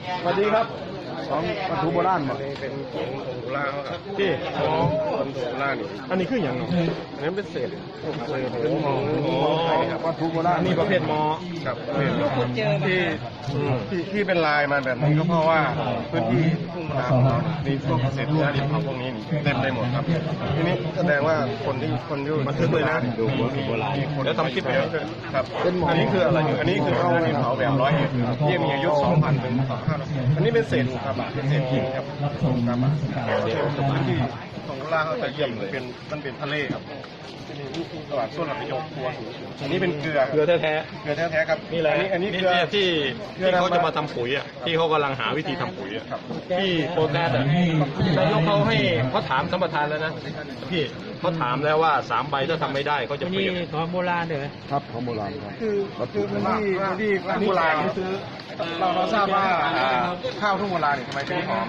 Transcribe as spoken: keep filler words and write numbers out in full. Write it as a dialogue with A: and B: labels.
A: สวัสดีครับของวัตถุโบราณบ่
B: เป็นของโบราณครับ
A: ที่
B: ของคนโบราณนี่
A: อันนี้คืออย่างเนาะ
B: อันนั้นเป็นเศษพวกเศษ
A: เป็นหมอ
B: ไทยครับ
A: วัตถุโบราณนี่ประเภทหมอ
B: ครับที่ที่ที่เป็นลายมาแบบนี้ก็เพราะว่าพื้นที่ทุ่งนาของเรามีพวกเศษยาดิบพวกนี้เต็มไปหมดครับทีนี้แสดงว่าคนที่คนที่บันทึกเลยนะดูโบราณแล้วทำคลิปไปแล้วครับอันนี้คืออะไรอยู่อันนี้คือเอาดินเผาแบบร้อยเอ็ดที่มีอายุสองพันถึงสองพันห้าร้อยอันนี้เป็นเศษครับเป็นเศษหินครับครับพื้นที่ของล่างเขาจะเยี่ยมเลยเป็นมันเป็นทะเลครับนี่ตลาดส้นหลักประโยคครัวสูงอันนี้เป็นเกลือ
A: เกลือแท้
B: เกลือแท้ๆครับ
A: ๆนี่แหละ
B: อันนี้อันนี้เกลือ
A: ที่ที่เขาจะมาทำปุ๋ยอ่ะที่เขากำลังหาวิธีทำปุ๋ยอ่ะที่โปรแกรสอ่ะนายกเขาให้เขาถามสัมปทานแล้วนะพี่เขาถามแล้วว่าสามใบถ้าทำไม่ได้เขาจะเปลี่ยน
C: ของโบราณเลย
A: ครับของโบราณครับ
B: คือคือพื้นที่พื้นที่โบราณนี่คือเราเราทราบว่าข้าวทุ่งโบราณเนี่ยทำไมถึงหอม